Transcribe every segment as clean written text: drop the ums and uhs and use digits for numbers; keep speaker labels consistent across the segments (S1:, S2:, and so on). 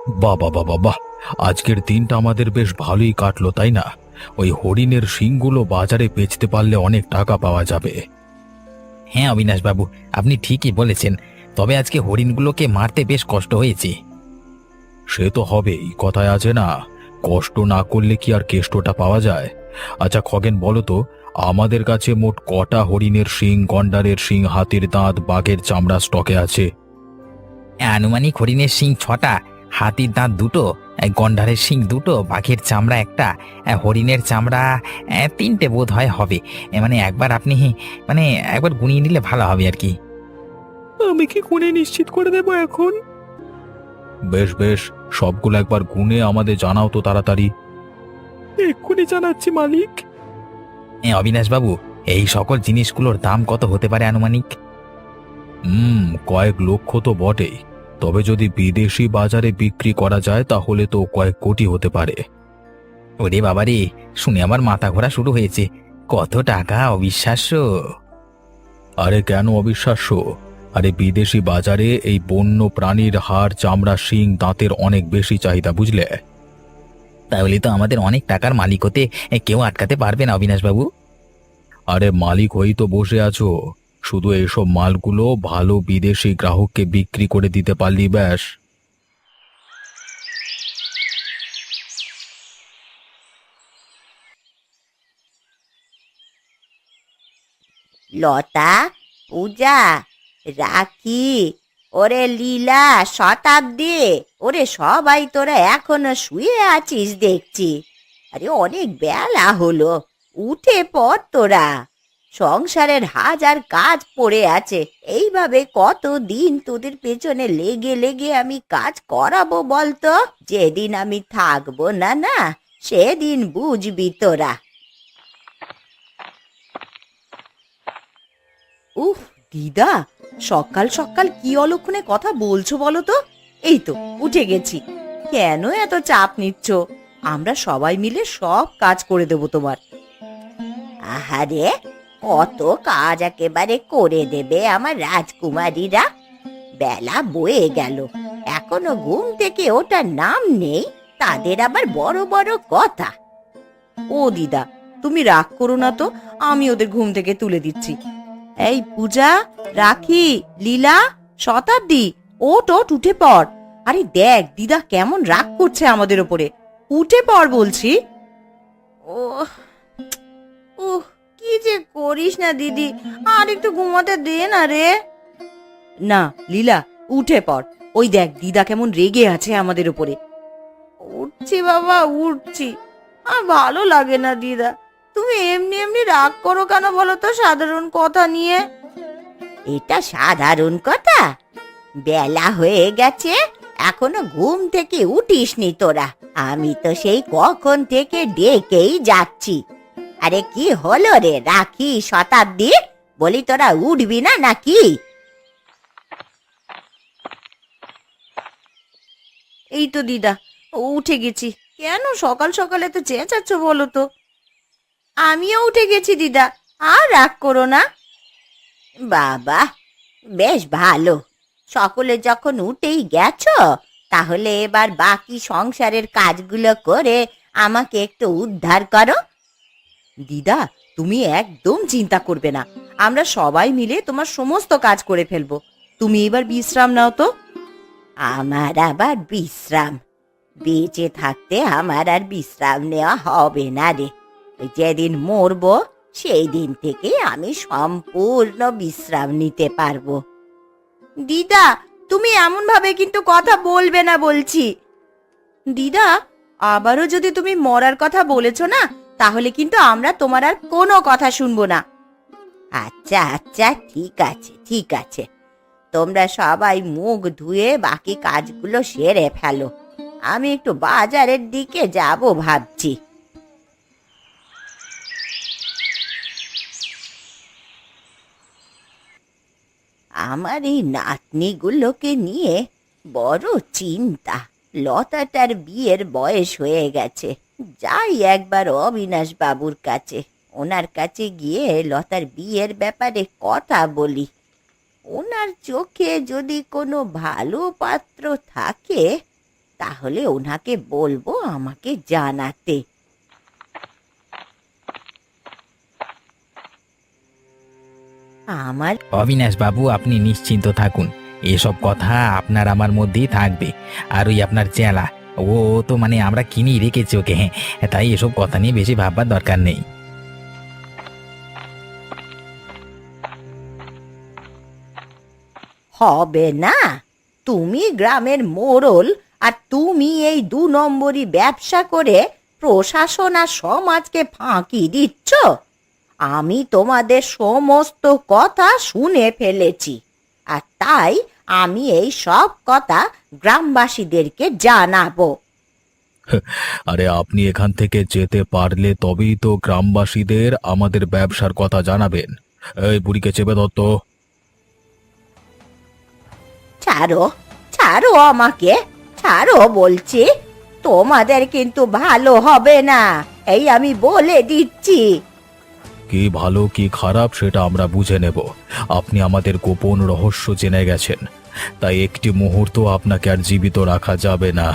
S1: বাহ বাহ বাহ বাহ বাহ! আজকের দিনটা আমাদের বেশ ভালোই কাটলো, তাই না? ওই হরিণের শিংগুলো বাজারে বেচতে পারলে অনেক টাকা পাওয়া যাবে।
S2: হ্যাঁ অবিনাশবাবু, আপনি ঠিকই বলেছেন। তবে আজকে হরিণগুলোকে মারতে বেশ কষ্ট হয়েছে।
S1: সে তো হবেই, কথায় আছে না, কষ্ট না করলে কি আর কেষ্টটা পাওয়া যায়? আচ্ছা খগেন, বলো তো, আমাদের কাছে মোট কটা হরিণের শিং, গন্ডারের শিং, হাতির দাঁত, বাঘের চামড়া স্টকে আছে?
S2: আনুমানিক হরিণের শিং 6টা, হাতির দাঁত 2টো, গন্ডারের শিং 2টো, বাঘের চামড়া 1টা, হরিণের চামড়া 3টে বোধ হয় হবে। মানে একবার আপনি মানে একবার গুনিয়ে নিলে ভালো হবে আর কি।
S1: আমি কি গুণে নিশ্চিত করে দেবো এখন? বেশ বেশ, সবগুলো একবার গুনে আমাদের জানাও তো তাড়াতাড়ি। এক্ষুনি জানাচ্ছি মালিক।
S2: অবিনাশবাবু, এই সকল জিনিসগুলোর দাম কত হতে পারে আনুমানিক?
S1: কয়েক লক্ষ তো বটেই, তবে যদি বিদেশি বাজারে বিক্রি করা যায় তাহলে তো কয়েক কোটি হতে পারে।
S2: ওরে বাবারে, শুনে আমার মাথা ঘোরা শুরু হয়েছে। কত টাকা, অবিশ্বাস্য!
S1: আরে কেন অবিশ্বাস্য? আরে বিদেশি বাজারে এই বন্য প্রাণীর হাড়, চামড়া, শিং, দাঁতের অনেক বেশি চাহিদা, বুঝলে?
S2: তাহলে তো আমাদের অনেক টাকার মালিক হতে কেউ আটকাতে পারবে না অবিনাশবাবু।
S1: আরে মালিক হয়েই তো বসে আছো, শুধু এইসব মালগুলো ভালো বিদেশি গ্রাহককে বিক্রি করে দিতে পারলি ব্যাস।
S3: লতা, পূজা, রাখি, ওরে লীলা, শতাব্দী, ওরে সবাই তোরা এখনো শুয়ে আছিস দেখছি। আরে অনেক বেলা হলো, উঠে পড় তোরা। সংসারের হাজার কাজ পড়ে আছে, এইভাবে কতদিন তোদের পেছনে লেগে লেগে আমি কাজ করাবো বলতো? যেদিন আমি থাকবো না না, সেদিন বুঝবি তোরা। উফ, দিদা, সকাল সকাল কি অলক্ষণে কথা বলছো বলো তো? এই তো উঠে গেছি। কেন এত চাপ নিচ্ছ? আমরা সবাই মিলে সব কাজ করে দেব তোমার। আহারে, কত কাজ একেবারে করে দেবে আমার রাজকুমারীরা। বেলা বয়ে গেল, এখনো ঘুম থেকে ওঠার নাম নেই, তাদের আবার বড় বড় কথা। ও দিদা, তুমি রাগ করো না তো, আমি ওদের ঘুম থেকে তুলে দিচ্ছি। এই পূজা, রাখি, লীলা, শতাব্দী, ওঠ ওঠ, উঠে পড়। আরে দেখ দিদা কেমন রাগ করছে আমাদের ওপরে। উঠে পড় বলছি। ও কি যে করিস না দিদি, আর একটু ঘুমাতে দে না রে। না লীলা, উঠে পড়। ওই দেখ দিদা কেমন রেগে আছে আমাদের উপরে। উঠছি বাবা, উঠছি। আর ভালো লাগে না দিদা, তুমি এমনি এমনি রাগ করো কেন বলো তো সাধারণ কথা নিয়ে? এটা সাধারণ কথা? বেলা হয়ে গেছে, এখনো ঘুম থেকে উঠিসনি তোরা। আমি তো সেই কখন থেকে ডেকেই যাচ্ছি। আরে কি হলো রে রাখি, শতাব্দী, বলি তোরা উঠবি না নাকি? এই তো দিদা, উঠে গেছি। কেন সকাল সকালে তো চেঁচাচ্ছ বলো তো? আমিও উঠে গেছি দিদা, আর রাগ করো না। বাবা, বেশ ভালো। সকলে যখন উঠেই গেছো, তাহলে এবার বাকি সংসারের কাজগুলো করে আমাকে একটু উদ্ধার করো। দিদা, তুমি একদম চিন্তা করবে না, আমরা সবাই মিলে তোমার সমস্ত কাজ করে ফেলবো। তুমি এবার বিশ্রাম নাও তো। আমার আবার বিশ্রাম? বেঁচে থাকতে আমার আর বিশ্রাম নেওয়া হবে না রে। যেদিন মরবো সেই দিন থেকে আমি সম্পূর্ণ বিশ্রাম নিতে পারবো। দিদা, তুমি এমন ভাবে কিন্তু কথা বলবে না বলছি। দিদা, আবারও যদি তুমি মরার কথা বলেছো না, তাহলে কিন্তু আমরা তোমার আর কোনো কথা শুনবো না। আচ্ছা আচ্ছা, ঠিক আছে ঠিক আছে, তোমরা সবাই মুখ ধুয়ে বাকি কাজগুলো সেরে ফেলো। আমি একটু বাজারের দিকে যাব ভাবছি। আমার এই নাতনিগুলোকে নিয়ে বড় চিন্তা। লতাটার বিয়ের বয়স হয়ে গেছে, যাই একবার অবিনাশ বাবুর কাছে। ওনার কাছে গিয়ে লতার বিয়ের ব্যাপারে কথা বলি। ওনার চোখে যদি কোনো ভালো পাত্র থাকে তাহলে ওনাকে বলবো আমাকে জানাতে। আমার
S2: অবিনাশ বাবু, আপনি নিশ্চিন্ত থাকুন, এসব কথা আপনার আমার মধ্যেই থাকবে। আর ওই আপনার চেলা, ও তো মানে আমরা কিনেই রেখেছি ওকে, হ্যাঁ, তাই এসব কথা নিয়ে বেশি ভাববার দরকার নেই।
S3: হবে না, তুমি গ্রামের মোড়ল আর তুমি এই 2 নম্বরি ব্যবসা করে প্রশাসন আর সমাজকে ফাঁকি দিচ্ছ। আমি তোমাদের সমস্ত কথা শুনে ফেলেছি, আর তাই আমি এই সব কথা গ্রামবাসীদেরকে জানাবো।
S1: আরে আপনি এখান থেকে যেতে পারলে তবেই তো গ্রামবাসীদের আমাদের ব্যবসার কথা জানাবেন। এই বুড়িকে চেপে ধর তো।
S3: ছাড়ো, ছাড়ো আমাকে, ছাড়ো বলছি। তোমাদের কিন্তু ভালো হবে না, এই আমি বলে দিচ্ছি।
S1: কি ভালো কি খারাপ সেটা আমরা বুঝে নেব। আপনি আমাদের গোপন রহস্য জেনে গেছেন, তাই একটি মুহূর্ত আপনাকে আর জীবিত রাখা যাবে না।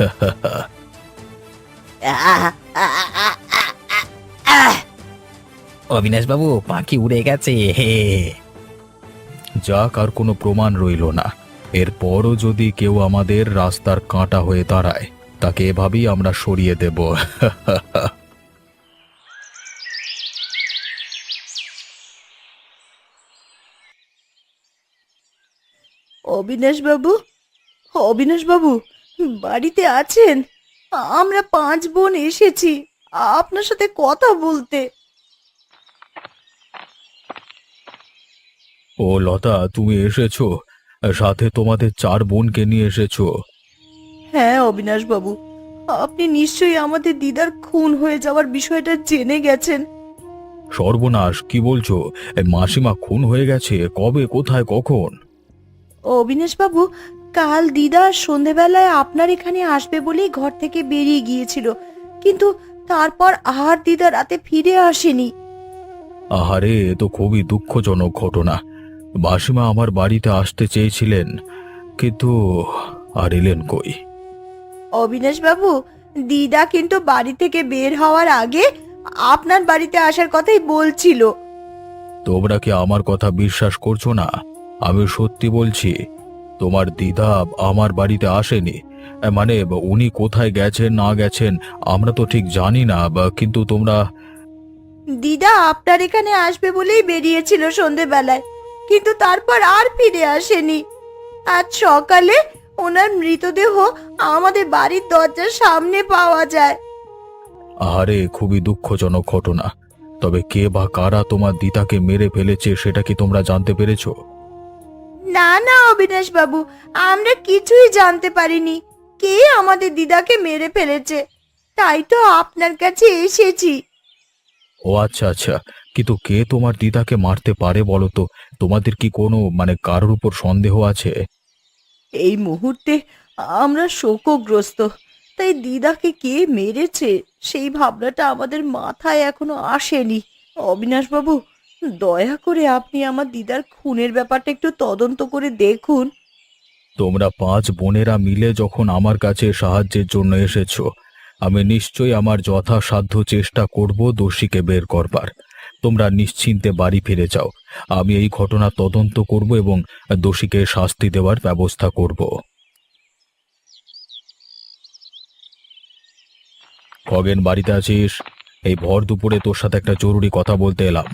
S3: আহ, আহ, আহ, আহ, আহ।
S2: অবিনাশ বাবু, পাখি উড়ে গেছে, হে।
S1: যাক, আর কোনো প্রমাণ রইল না। এরপরও যদি কেউ আমাদের রাস্তার কাঁটা হয়ে দাঁড়ায়, তাকে এভাবেই আমরা সরিয়ে দেব।
S3: অবিনাশ বাবু, অবিনাশ বাবু, বাড়িতে আছেন? আমরা 5 বোন এসেছি আপনার সাথে কথা বলতে।
S1: ও লতা, তুমি এসেছো? সাথে তোমাদের 4 বোনকে নিয়ে এসেছো?
S3: হ্যাঁ অবিনাশ বাবু, আপনি নিশ্চয়ই আমাদের দিদার খুন হয়ে যাওয়ার বিষয়টা জেনে গেছেন।
S1: সর্বনাশ, কি বলছো? মাসিমা খুন হয়ে গেছে? কবে, কোথায়, কখন?
S3: অবিনাশ বাবু, কাল দিদা সন্ধেবেলায় আপনার এখানে আসবে বলেই ঘর থেকে বেরিয়ে গিয়েছিল, কিন্তু তারপর আর দিদা রাতে ফিরে আসেনি।
S1: আহারে, এ তো খুবই দুঃখজনক ঘটনা। মাসিমা আমার বাড়িতে আসতে চেয়েছিলেন, কিন্তু আর এলেন কই?
S3: অবিনাশ বাবু, দিদা কিন্তু বাড়ি থেকে বের হওয়ার আগে আপনার বাড়িতে আসার কথাই বলছিল।
S1: তোমরা কি আমার কথা বিশ্বাস করছো না? আমি সত্যি বলছি, তোমার দিদা আমার বাড়িতে আসেনি। মানে উনি কোথায় গেছেন না গেছেন আমরা তো ঠিক জানি না, কিন্তু তোমরা...
S3: দিদা আপনার এখানে আসবে বলেই বেরিয়েছিল সন্ধেবেলায়, কিন্তু তারপর আর ফিরে আসেনি। আজ সকালে ওনার মৃতদেহ আমাদের বাড়ির দরজার সামনে পাওয়া যায়।
S1: আহারে, খুবই দুঃখজনক ঘটনা। তবে কে বা কারা তোমার দিদাকে মেরে ফেলেছে সেটা কি তোমরা জানতে পেরেছো?
S3: না না অবিনাশ বাবু, আমরা কিছুই জানতে পারিনি কে আমাদের দিদাকে মেরে ফেলেছে, তাই তো আপনার কাছে এসেছি।
S1: ও আচ্ছা আচ্ছা, কিন্তু কে তোমার দিদাকে মারতে পারে বলো তো? তোমাদের কি কোনো কারোর উপর সন্দেহ আছে?
S3: এই মুহূর্তে আমরা শোকগ্রস্ত, তাই দিদাকে কে মেরেছে সেই ভাবনাটা আমাদের মাথায় এখনো আসেনি। অবিনাশ বাবু, দয়া করে আপনি আমার দিদার খুনের ব্যাপারটা একটু তদন্ত করে দেখুন।
S1: তোমরা 5 বোনেরা মিলে যখন আমার কাছে সাহায্যের জন্য এসেছো, আমি নিশ্চয়ই আমার যথাসাধ্য চেষ্টা করব দোষীকে বের করবার। তোমরা নিশ্চিন্তে বাড়ি ফিরে যাও। আমি এই ঘটনা তদন্ত করব এবং দোষীকে শাস্তি দেওয়ার ব্যবস্থা করব। খগেন, বাড়িতে আছিস? এই ভর দুপুরে তোর সাথে একটা জরুরি কথা বলতে এলাম।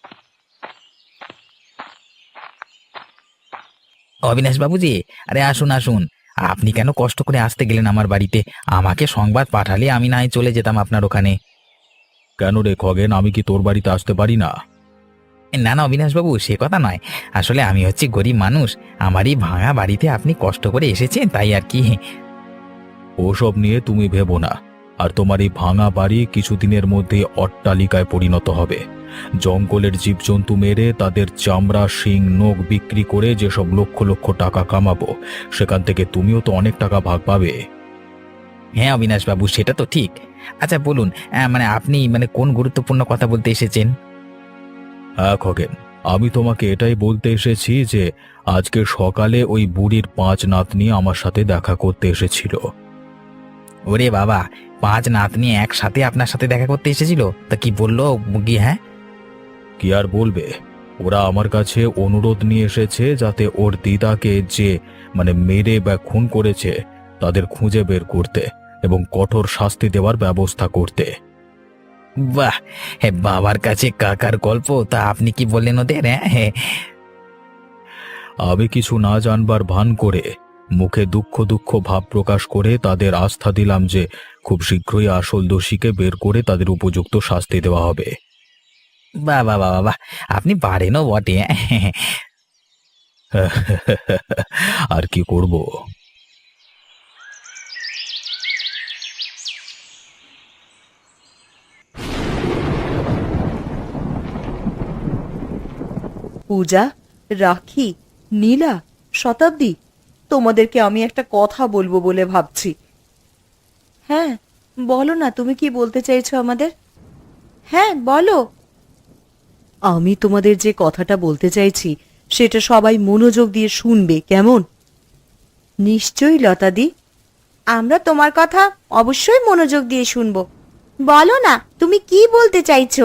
S2: অবিনাশ বাবুজি, আরে আসুন আসুন, আপনি কেন কষ্ট করে আসতে গেলেন আমার বাড়িতে? আমাকে সংবাদ পাঠালে আমি না হয় চলে যেতাম আপনার ওখানে।
S1: কেন রে খগেন, আমি কি তোর বাড়িতে আসতে পারি না?
S2: না না অবিনাশ বাবু, সে কথা নয়। আসলে আমি হচ্ছি গরিব মানুষ, আমারই ভাঙা বাড়িতে আপনি কষ্ট করে এসেছেন, তাই আর কি।
S1: ওসব নিয়ে তুমি ভেবো না। আর তোমার এই ভাঙা বাড়ি কিছুদিনের মধ্যে অট্টালিকায় পরিণত হবে। জঙ্গলের জীবজন্তু মেরে তাদের চামড়া, শিং, নখ বিক্রি করে যেসব লক্ষ লক্ষ টাকা কামাবো, সেখান থেকে তুমিও তো অনেক টাকা ভাগ পাবে।
S2: হ্যাঁ অবিনাশ বাবু, সেটা তো ঠিক। আচ্ছা বলুন, আপনি কোন গুরুত্বপূর্ণ কথা বলতে এসেছেন?
S1: হ্যাঁ খগেন, আমি তোমাকে এটাই বলতে এসেছি যে আজকে সকালে ওই বুড়ির 5 নাতনি আমার সাথে দেখা করতে এসেছিল।
S2: ওরে বাবা, 5 নাতনি একসাথে আপনার সাথে দেখা করতে এসেছিল, তা কি বললো গিয়ে? হ্যাঁ,
S1: কি আর বলবে, ওরা আমার কাছে অনুরোধ নিয়ে এসেছে যাতে ওর দিদাকে যে মেরে বা খুন করেছে তাদের খুঁজে বের করতে এবং কঠোর শাস্তি দেওয়ার ব্যবস্থা করতে।
S2: বাহ, হ্যাঁ, বাবার কাছে কাকার গল্প, তা আপনি কি বললেন ওদের? হ্যাঁ,
S1: আমি কিছু না জানবার ভান করে মুখে দুঃখ দুঃখ ভাব প্রকাশ করে তাদের আস্থা দিলাম যে খুব শীঘ্রই আসল দোষীকে বের করে তাদের উপযুক্ত শাস্তি দেওয়া হবে।
S2: বাহ বাহ বাহ বাহ, আপনি পারেনও বটে।
S1: আর কি করব।
S3: পূজা, রাখি, নীলা, শতাব্দী, তোমাদেরকে আমি একটা কথা বলবো বলে ভাবছি। হ্যাঁ, বলো না, তুমি কি বলতে চাইছো আমাদের? হ্যাঁ, বলো। আমি তোমাদের যে কথাটা বলতে চাইছি সেটা সবাই মনোযোগ দিয়ে শুনবে, কেমন? নিশ্চয়ই লতাদি, আমরা তোমার কথা অবশ্যই মনোযোগ দিয়ে শুনবো। বলো না, তুমি কি বলতে চাইছো?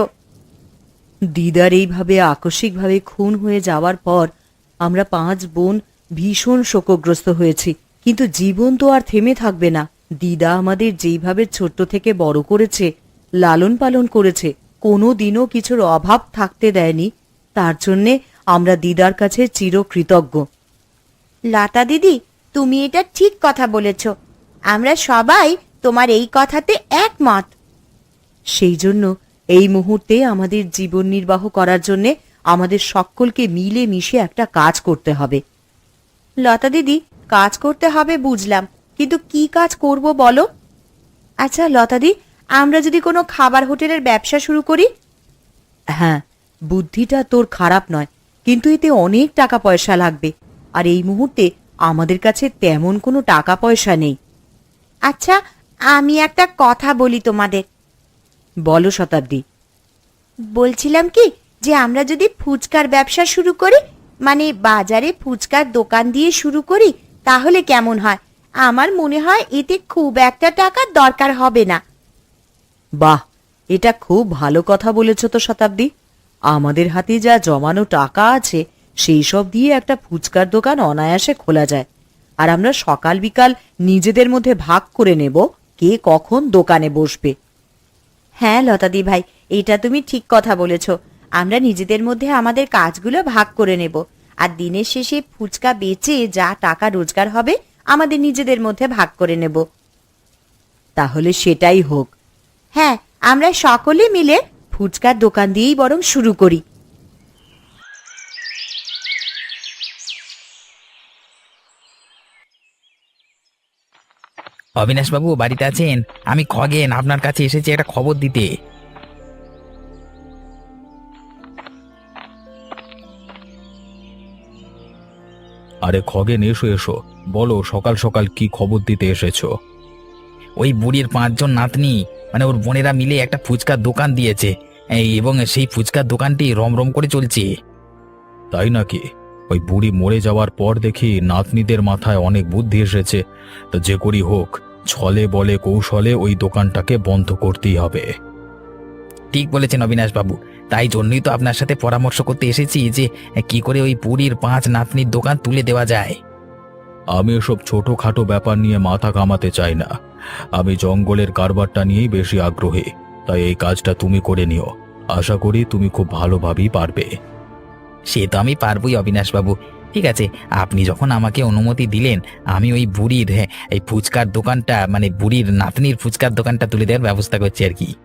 S3: দিদার এইভাবে আকস্মিকভাবে খুন হয়ে যাওয়ার পর আমরা 5 বোন ভীষণ শোকগ্রস্ত হয়েছি, কিন্তু জীবন তো আর থেমে থাকবে না। দিদা আমাদের যেইভাবে ছোট্ট থেকে বড় করেছে, লালন পালন করেছে, কোনো দিনও কিছুর অভাব থাকতে দেয়নি, তার জন্যে আমরা দিদার কাছে চিরকৃতজ্ঞ। লতা দিদি, তুমি এটা ঠিক কথা বলেছ, আমরা সবাই তোমার এই কথাতে একমত। সেই জন্য এই মুহূর্তে আমাদের জীবন নির্বাহ করার জন্যে আমাদের সকলকে মিলে মিশে একটা কাজ করতে হবে। লতা দিদি, কাজ করতে হবে বুঝলাম, কিন্তু কি কাজ করব বলো? আচ্ছা লতাদি, আমরা যদি কোনো খাবার হোটেলের ব্যবসা শুরু করি? হ্যাঁ, বুদ্ধিটা তোর খারাপ নয়, কিন্তু এতে অনেক টাকা পয়সা লাগবে, আর এই মুহূর্তে আমাদের কাছে তেমন কোনো টাকা পয়সা নেই। আচ্ছা, আমি একটা কথা বলি তোমাদের। বলো শতাব্দী। বলছিলাম কি, যে আমরা যদি ফুচকার ব্যবসা শুরু করি, মানে বাজারে ফুচকার দোকান দিয়ে শুরু করি, তাহলে কেমন হয়? আমার মনে হয় এতে খুব একটা টাকার দরকার হবে না। বাহ, এটা খুব ভালো কথা বলেছ তো শতাব্দী। আমাদের হাতে যা জমানো টাকা আছে সেই সব দিয়ে একটা ফুচকার দোকান অনায়াসে খোলা যায়, আর আমরা সকাল বিকাল নিজেদের মধ্যে ভাগ করে নেব কে কখন দোকানে বসবে। হ্যাঁ লতাদি ভাই, এটা তুমি ঠিক কথা বলেছ। আমরা নিজেদের মধ্যে আমাদের কাজগুলো ভাগ করে নেব, আর দিনের শেষে ফুচকা বেচে যা টাকা রোজগার হবে আমাদের নিজেদের মধ্যে ভাগ করে নেব। তাহলে সেটাই হোক। হ্যাঁ, আমরা সকলে মিলে ফুচকার দোকান দিয়েই বরং শুরু করি।
S2: অবিনাশ বাবু বাড়িতে আছেন? আমি খগেন আপনার কাছে এসেছি একটা খবর দিতে।
S1: আরে খগেন, এসো এসো, বলো সকাল সকাল কি খবর দিতে এসেছো?
S2: ওই বুড়ির 5 জন নাতনি, মানে ওর বোনেরা মিলে একটা ফুচকার দোকান দিয়েছে, এবং সেই ফুচকার দোকানটি রমরম করে চলছে।
S1: তাই নাকি? ওই বুড়ি মরে যাওয়ার পর দেখি নাতনিদের মাথায় অনেক বুদ্ধি এসেছে। তা যে করি হোক, ছলে বলে কৌশলে ওই দোকানটাকে বন্ধ করতেই হবে।
S2: ঠিক বলেছেন অবিনাশ বাবু, তাই জন্যই তো আপনার সাথে পরামর্শ করতে এসেছি যে কি করে ওই বুড়ির 5 নাতনির দোকান তুলে দেওয়া যায়।
S1: আমি এসব ছোটখাটো ব্যাপার নিয়ে মাথা ঘামাতে চাই না। আমি জঙ্গলের কারবারটা নিয়েই বেশি আগ্রহী, তাই এই কাজটা তুমি করে নিও। আশা করি তুমি খুব ভালোভাবেই পারবে।
S2: সে তো আমি পারবই অবিনাশ বাবু। ঠিক আছে, আপনি যখন আমাকে অনুমতি দিলেন, আমি ওই বুড়ির এই ফুচকার দোকানটা, মানে বুড়ির নাতনির ফুচকার দোকানটা তুলে দেওয়ার ব্যবস্থা করছি আর কি।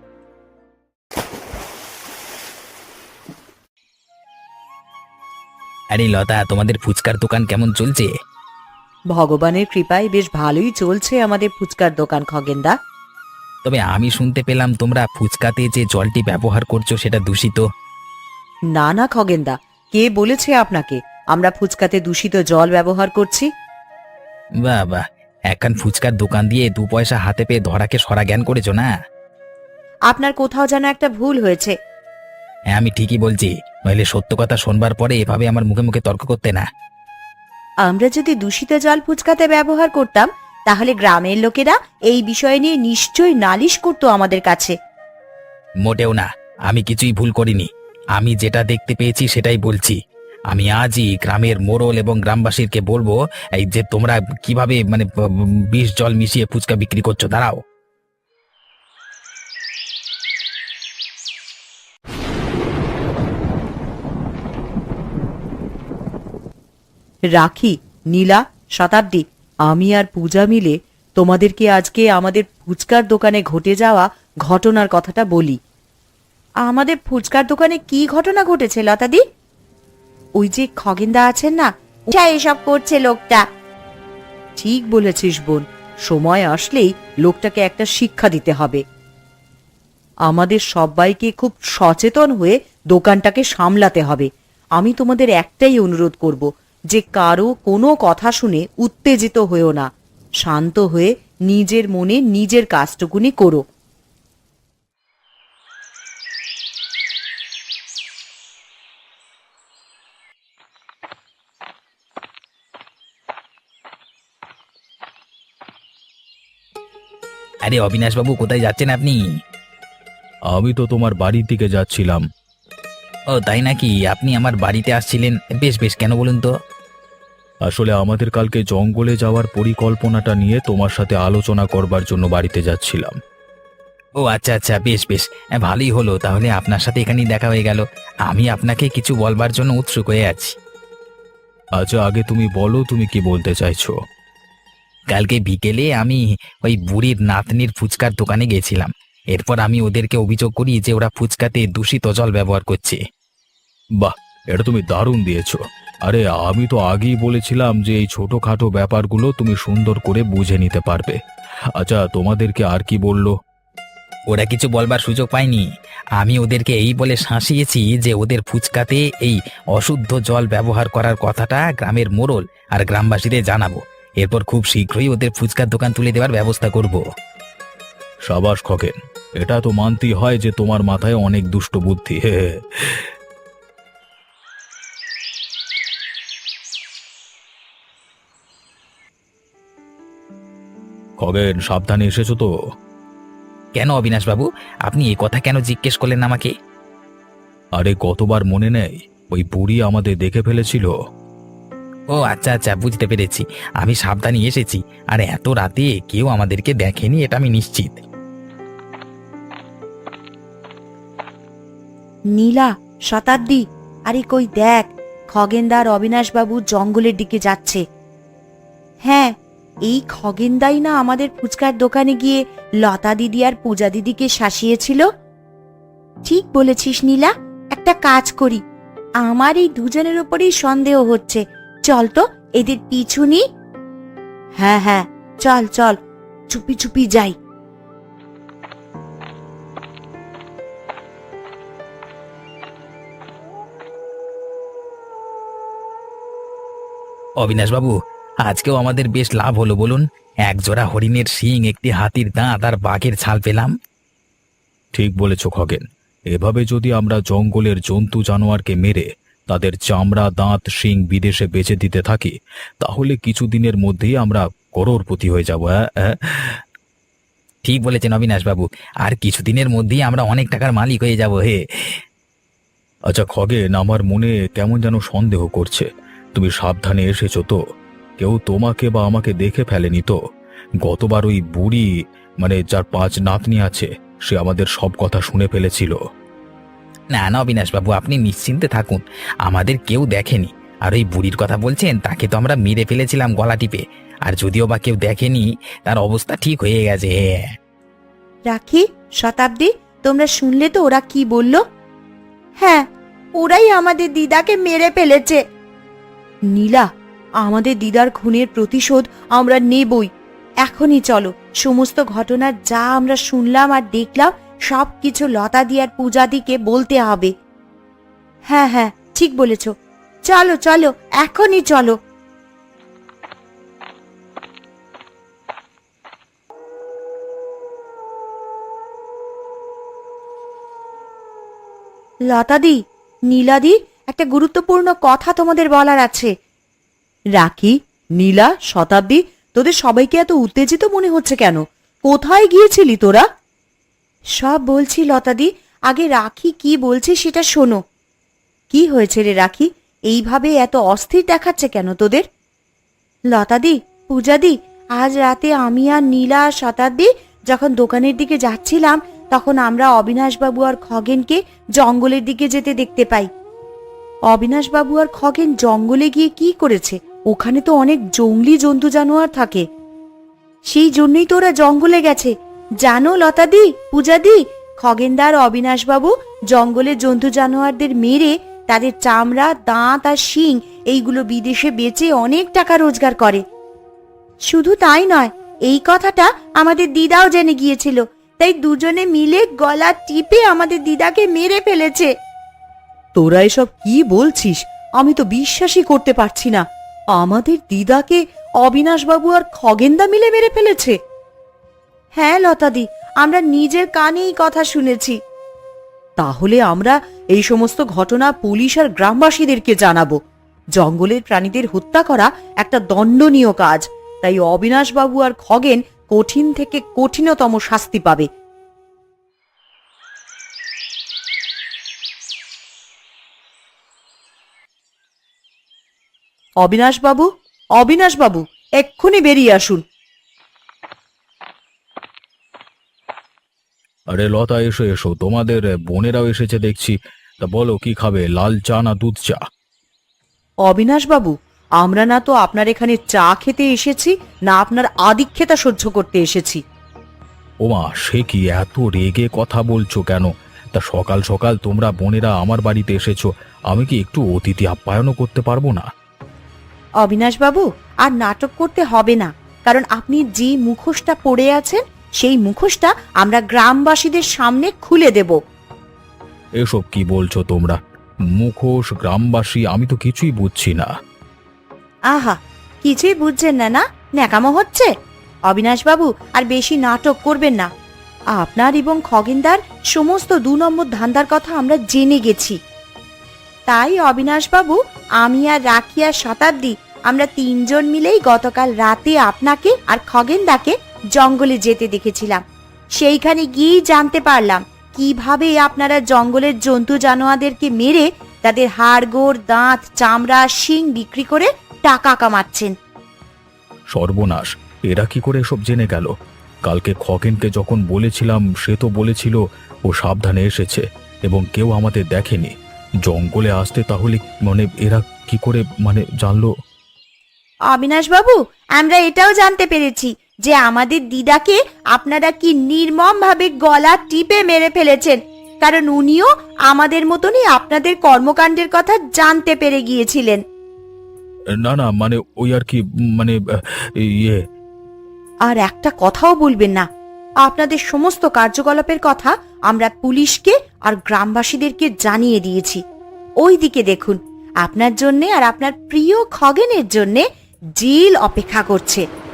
S2: আরে লতা, তোমাদের ফুচকার দোকান কেমন চলছে?
S3: ভগবানের কৃপায় বেশ ভালোই চলছে আমাদের ফুচকার দোকান খগেনদা।
S2: তবে আমি শুনতে পেলাম তোমরা ফুচকাতে যে জলটি ব্যবহার করছো সেটা দূষিত।
S3: না না খগেনদা, কে বলেছে আপনাকে আমরা ফুচকাতে দূষিত জল ব্যবহার করছি?
S2: বাহ বাহ, একখান ফুচকার দোকান দিয়ে 2 পয়সা হাতে পেয়ে ধরাকে সরা জ্ঞান করেছো না?
S3: আপনার কোথাও যেন একটা ভুল হয়েছে।
S2: হ্যাঁ, আমি ঠিকই বলছি, নইলে সত্য কথা শোনবার পরে এভাবে আমার মুখে মুখে তর্ক করতে না।
S3: আমরা যদি দূষিত জল ফুচকাতে ব্যবহার করতাম, তাহলে গ্রামের লোকেরা এই বিষয় নিয়ে নিশ্চয়ই নালিশ করতো আমাদের কাছে।
S2: মোটেও না, আমি কিছুই ভুল করিনি। আমি যেটা দেখতে পেয়েছি সেটাই বলছি। আমি আজই গ্রামের মোড়ল এবং গ্রামবাসীকে বলবো এই যে তোমরা কিভাবে মানে বিষ জল মিশিয়ে ফুচকা বিক্রি করছো। দাঁড়াও।
S3: রাখি, নীলা, শতাব্দী, আমি আর পূজা মিলে তোমাদেরকে আজকে আমাদের ফুচকার দোকানে ঘটে যাওয়া ঘটনার কথাটা বলি। আমাদের ফুচকার দোকানে কি ঘটনা ঘটেছে লতাদি? ওই যে খগেনদা আছেন না, এসব করছে লোকটা। ঠিক বলেছিস বোন, সময় আসলেই লোকটাকে একটা শিক্ষা দিতে হবে। আমাদের সবাইকে খুব সচেতন হয়ে দোকানটাকে সামলাতে হবে। আমি তোমাদের একটাই অনুরোধ করব যে কারো কোনো কথা শুনে উত্তেজিত হয়েও না, শান্ত হয়ে নিজের মনে নিজের কাজটুকুনি করো।
S2: আরে অবিনাশবাবু, কোথায় যাচ্ছেন আপনি?
S1: আমি তো তোমার বাড়ির দিকে যাচ্ছিলাম।
S2: ও তাই নাকি? আপনি আমার বাড়িতে আসছিলেন? বেশ বেশ, কেন বলুন তো?
S1: আসলে আমাদের কালকে জঙ্গলে যাওয়ার পরিকল্পনাটা নিয়ে তোমার সাথে আলোচনা করবার জন্য বাড়িতে যাচ্ছিলাম।
S2: ও আচ্ছা আচ্ছা, বেশ বেশ, ভালোই হলো। তাহলে আপনার সাথে এখানেই দেখা হয়ে গেল। আমি আপনাকে কিছু বলবার জন্য উৎসুক হয়ে আছি।
S1: আচ্ছা, আগে তুমি বলো, তুমি কি বলতে চাইছো?
S2: কালকে বিকেলে আমি ওই বুড়ির নাতনির ফুচকার দোকানে গেছিলাম। এরপর আমি ওদেরকে অভিযোগ করি যে ওরা ফুচকাতে দূষিত জল ব্যবহার করছে।
S1: বাহ, এটা তুমি দারুণ দিয়েছো। আরে আমি তো আগেই বলেছিলাম যে এই ছোটখাটো ব্যাপারগুলো তুমি সুন্দর করে বুঝে নিতে পারবে। আচ্ছা, তোমাদেরকে আর কি বললো?
S2: ওরা কিছু বলবার সুযোগ পায়নি। আমি ওদেরকে এই বলে শাসিয়েছি যে ওদের ফুচকাতে এই অশুদ্ধ জল ব্যবহার করার কথাটা গ্রামের মোড়ল আর গ্রামবাসীদের জানাবো। এরপর খুব শীঘ্রই ওদের ফুচকার দোকান তুলে দেওয়ার ব্যবস্থা করব।
S1: সাবাস খগেন, এটা তো মানতেই হয় যে তোমার মাথায় অনেক দুষ্ট বুদ্ধি। হে হে। খগেন, সাবধানে এসেছো তো?
S2: কেন অবিনাশবাবু, আপনি এই কথা কেন জিজ্ঞেস করলেন আমাকে?
S1: আরে কতবার মনে নেই, ওই বুড়ি আমাদের দেখে ফেলেছিল।
S2: ও আচ্ছা আচ্ছা, বুঝতে পেরেছি। আমি সাবধানে এসেছি, আর এত রাতে কেউ আমাদেরকে দেখেনি এটা আমি নিশ্চিত।
S3: নীলা, শতাব্দী, আরে কই দেখ, খগেনদার অবিনাশবাবু জঙ্গলের দিকে যাচ্ছে। হ্যাঁ, এই খগেনদাই না আমাদের ফুচকার দোকানে গিয়ে লতা দিদি আর পূজা দিদিকে শাসিয়েছিল। ঠিক বলেছিস নীলা, একটা কাজ করি। আমার এই দুজনের উপরেই সন্দেহ হচ্ছে, চল তো এদের পিছু নি। হ্যাঁ হ্যাঁ, চল চল, চুপি চুপি যাই।
S2: অবিনাশবাবু, আজকেও আমাদের বেশ লাভ হলো বলুন। এক জোড়া হরিণের শিং, একটি হাতির দাঁত আর বাঘের ছাল পেলাম।
S1: ঠিক বলেছ খগেন, এভাবে যদি আমরা জঙ্গলের জন্তু জানোয়ারকে মেরে তাদের চামড়া, দাঁত, শিং বিদেশে বেচে দিতে থাকি, তাহলে কিছুদিনের মধ্যেই আমরা করোড়পতি হয়ে যাব। হ্যাঁ।
S2: ঠিক বলেছেন অবিনাশবাবু, আর কিছুদিনের মধ্যেই আমরা অনেক টাকার মালিক হয়ে যাব। হে
S1: আচ্ছা খগেন, আমার মনে কেমন যেন সন্দেহ করছে। তুমি সাবধানে এসেছো তো? কেউ তোমাকে বা আমাকে দেখে ফেলেনি তো? গতবার ওই বুড়ি, মানে যার 5 নাতনি আছে, সে আমাদের সব কথা শুনে ফেলেছিল।
S2: না না অবিনাশবাবু, আপনি নিশ্চিন্তে থাকুন, আমাদের কেউ দেখেনি। আর ওই বুড়ির কথা বলছেন, তাকে তো আমরা মেরে ফেলেছিলাম গলা টিপে। আর যদিও বা কেউ দেখেনি, তার অবস্থা ঠিক হয়ে গেছে।
S3: রাখি, শতাব্দী, তোমরা শুনলে তো ওরা কি বলল? হ্যাঁ, ওরাই আমাদের দিদাকে মেরে ফেলেছে। নীলা, আমাদের দিদার খুনের প্রতিশোধ আমরা নেবই। এখনই চলো, সমস্ত ঘটনা যা আমরা শুনলাম আর দেখলাম সবকিছু লতা দি আর পূজা দিকে বলতে হবে। হ্যাঁ হ্যাঁ, ঠিক বলেছ, চলো চলো, এখনই চলো। লতাদি, নীলাদি, একটা গুরুত্বপূর্ণ কথা তোমাদের বলার আছে। রাখি, নীলা, শতাব্দী, তোদের সবাইকে এত উত্তেজিত মনে হচ্ছে কেন? কোথায় গিয়েছিলি তোরা? সব বলছি লতাদি, আগে রাখি কি বলছে সেটা শোনো। কি হয়েছে রে রাখি, এইভাবে এত অস্থির দেখাচ্ছে কেন তোদের? লতাদি, পূজাদি, আজ রাতে আমি আর নীলা আর শতাব্দী যখন দোকানের দিকে যাচ্ছিলাম তখন আমরা অবিনাশবাবু আর খগেনকে জঙ্গলের দিকে যেতে দেখতে পাই। অবিনাশবাবু আর খগেন জঙ্গলে গিয়ে কি করেছে? ওখানে তো অনেক জঙ্গলি জন্তু জানোয়ার থাকে, সেই জন্যই তো ওরা জঙ্গলে গেছে। জানো লতাদি, পূজাদি, খগেনদার অবিনাশবাবু জঙ্গলে জন্তু জানোয়ারদের মেরে তাদের চামড়া, দাঁত আর শিং এইগুলো বিদেশে বেচে অনেক টাকা রোজগার করে। শুধু তাই নয়, এই কথাটা আমাদের দিদাও জেনে গিয়েছিল, তাই দুজনে মিলে গলা টিপে আমাদের দিদাকে মেরে ফেলেছে। তোরা এসব কি বলছিস? আমি তো বিশ্বাসই করতে পারছি না। আমাদের দিদাকে অবিনাশবাবু আর খগেনদা মিলে মেরে ফেলেছে? হ্যাঁ লতাদি, আমরা নিজের কানে এই কথা শুনেছি। তাহলে আমরা এই সমস্ত ঘটনা পুলিশ আর গ্রামবাসীদেরকে জানাবো। জঙ্গলের প্রাণীদের হত্যা করা একটা দণ্ডনীয় কাজ, তাই অবিনাশবাবু আর খগেন কঠিন থেকে কঠিনতম শাস্তি পাবে। অবিনাশবাবু, অবিনাশবাবু, এক্ষুনি বেরিয়ে আসুন।
S1: আরে লতা, এসো এসো, তোমাদের বোনেরাও এসেছে দেখছি। তা বলো, কি খাবে, লাল চা না দুধ চা?
S3: অবিনাশবাবু, আমরা না তো আপনার এখানে চা খেতে এসেছি, না আপনার আদিক্ষেতা সহ্য করতে এসেছি।
S1: ওমা, সে কি, এত রেগে কথা বলছো কেন? তা সকাল সকাল তোমরা বোনেরা আমার বাড়িতে এসেছো, আমি কি একটু অতিথি আপ্যায়নও করতে পারবো না?
S3: অবিনাশবাবু, আর নাটক করতে হবে না, কারণ আপনি যে মুখোশটা পরে আছেন সেই মুখোশটা আমরা গ্রামবাসীদের সামনে খুলে দেব।
S1: এসব কি বলছো তোমরা? মুখোশ, গ্রামবাসী, আমি তো কিছুই বুঝছি না।
S3: আহা, কিছুই বুঝছেন না? না, ন্যাকামো হচ্ছে। অবিনাশবাবু, আর বেশি নাটক করবেন না। আপনার এবং খগেনদার সমস্ত 2 নম্বর ধান্দার কথা আমরা জেনে গেছি। তাই অবিনাশবাবু, আমি আর রাখি আর শতাব্দী আমরা 3 জন মিলেই গতকাল রাতে আপনাকে আর খগেনদাকে জঙ্গলে যেতে দেখেছিলাম। সেইখানে গিয়েই জানতে পারলাম কিভাবে আপনারা জঙ্গলের জন্তু জানোয়ারদেরকে মেরে তাদের হাড়গোড়, দাঁত, চামড়া, শিং বিক্রি করে টাকা কামাচ্ছেন।
S1: সর্বনাশ, এরা কি করে এসব জেনে গেল? কালকে খগেনকে যখন বলেছিলাম, সে তো বলেছিল ও সাবধানে এসেছে এবং কেউ আমাদের দেখেনি। জঙ্গলে আসতে তাহলে মানে এরা কি করে জানলো?
S3: অবিনাশবাবু, আমরা এটাও জানতে পেরেছি যে আমাদের দিদাকে আপনারা কি নির্মম ভাবে গলা টিপে মেরে ফেলেছেন, কারণ উনিও আমাদের মতনই আপনাদের কর্মকাণ্ডের কথা জানতে পেরে গিয়েছিলেন।
S1: না না, ওই আর কি, ইয়ে।
S3: আর একটা কথাও বলবেন না। আপনাদের সমস্ত কার্যকলাপের কথা আমরা পুলিশকে আর গ্রামবাসীদেরকে জানিয়ে দিয়েছি। ওই দিকে দেখুন, আপনার জন্যে আর আপনার প্রিয় খগেনের জন্যে জেল অপেক্ষা করছে।